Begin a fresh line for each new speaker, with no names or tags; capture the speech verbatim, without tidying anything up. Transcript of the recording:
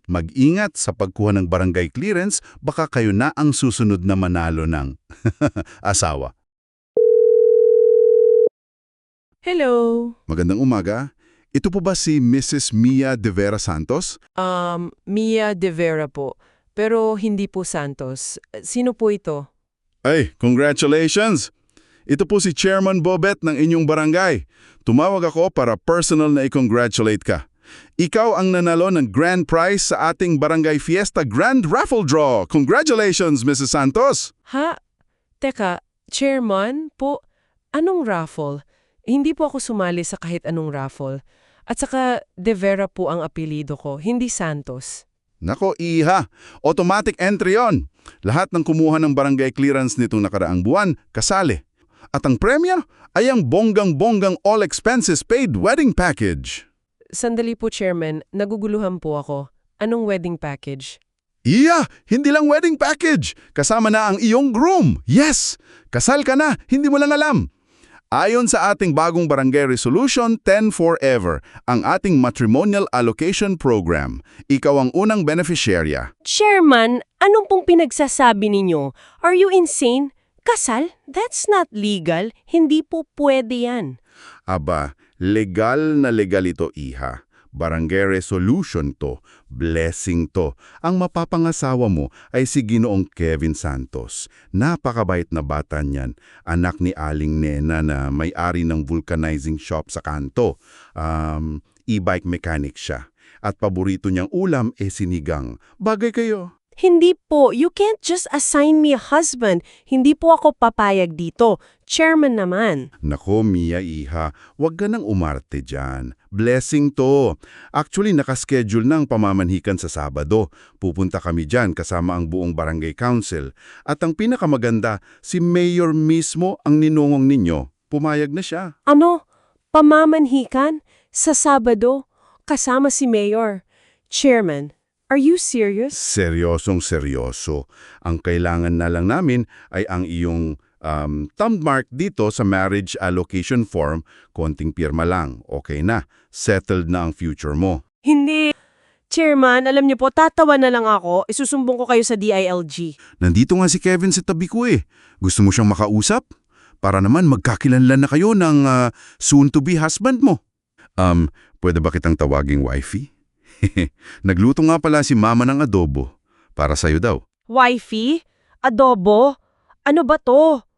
Mag-ingat sa pagkuha ng barangay clearance, baka kayo na ang susunod na manalo ng asawa.
Hello.
Magandang umaga. Ito po ba si Missus Mia De Vera Santos?
Um, Mia De Vera po. Pero hindi po Santos. Sino po ito?
Ay, congratulations! Ito po si Chairman Bobet ng inyong barangay. Tumawag ako para personal na i-congratulate ka. Ikaw ang nanalo ng grand prize sa ating Barangay Fiesta Grand Raffle Draw. Congratulations, Missus Santos!
Ha? Teka, chairman po? Anong raffle? Hindi po ako sumali sa kahit anong raffle. At saka, De Vera po ang apelido ko, hindi Santos.
Nako, iha! Automatic entry yon. Lahat ng kumuha ng barangay clearance nitong nakaraang buwan, kasali. At ang premyo ay ang bonggang-bonggang all expenses paid wedding package.
Sandali po, chairman. Naguguluhan po ako. Anong wedding package?
Iya! Hindi lang wedding package! Kasama na ang iyong groom! Yes! Kasal ka na! Hindi mo lang alam! Ayon sa ating bagong Barangay Resolution ten Forever, ang ating Matrimonial Allocation Program, ikaw ang unang beneficiarya.
Chairman, anong pong pinagsasabi ninyo? Are you insane? Kasal? That's not legal. Hindi po pwede yan.
Aba, legal na legal ito, iha. Barangay resolution to, blessing to. Ang mapapangasawa mo ay si Ginoong Kevin Santos. Napakabait na bata niyan. Anak ni Aling Nena na may-ari ng vulcanizing shop sa kanto. Um, e-bike mechanic siya. At paborito niyang ulam e sinigang. Bagay kayo.
Hindi po. You can't just assign me a husband. Hindi po ako papayag dito. Chairman naman.
Nako, Mia, iha, wag ka nang umarte dyan. Blessing to. Actually, nakaschedule na ang pamamanhikan sa Sabado. Pupunta kami dyan kasama ang buong barangay council. At ang pinakamaganda, si Mayor mismo ang ninungong ninyo. Pumayag na siya.
Ano? Pamamanhikan? Sa Sabado? Kasama si Mayor? Chairman, are you serious?
Seryosong seryoso. Ang kailangan na lang namin ay ang iyong um, thumb mark dito sa marriage allocation form. Konting pirma lang. Okay na. Settled na ang future mo.
Hindi. Chairman, alam niyo po, tatawa na lang ako. Isusumbong ko kayo sa D I L G.
Nandito nga si Kevin sa tabi ko eh. Gusto mo siyang makausap? Para naman magkakilanlan na kayo ng uh, soon-to-be husband mo. Um, pwede ba kitang tawaging wifey? Nagluto nga pala si mama ng adobo. Para sa'yo daw.
Wifey? Adobo? Ano ba to?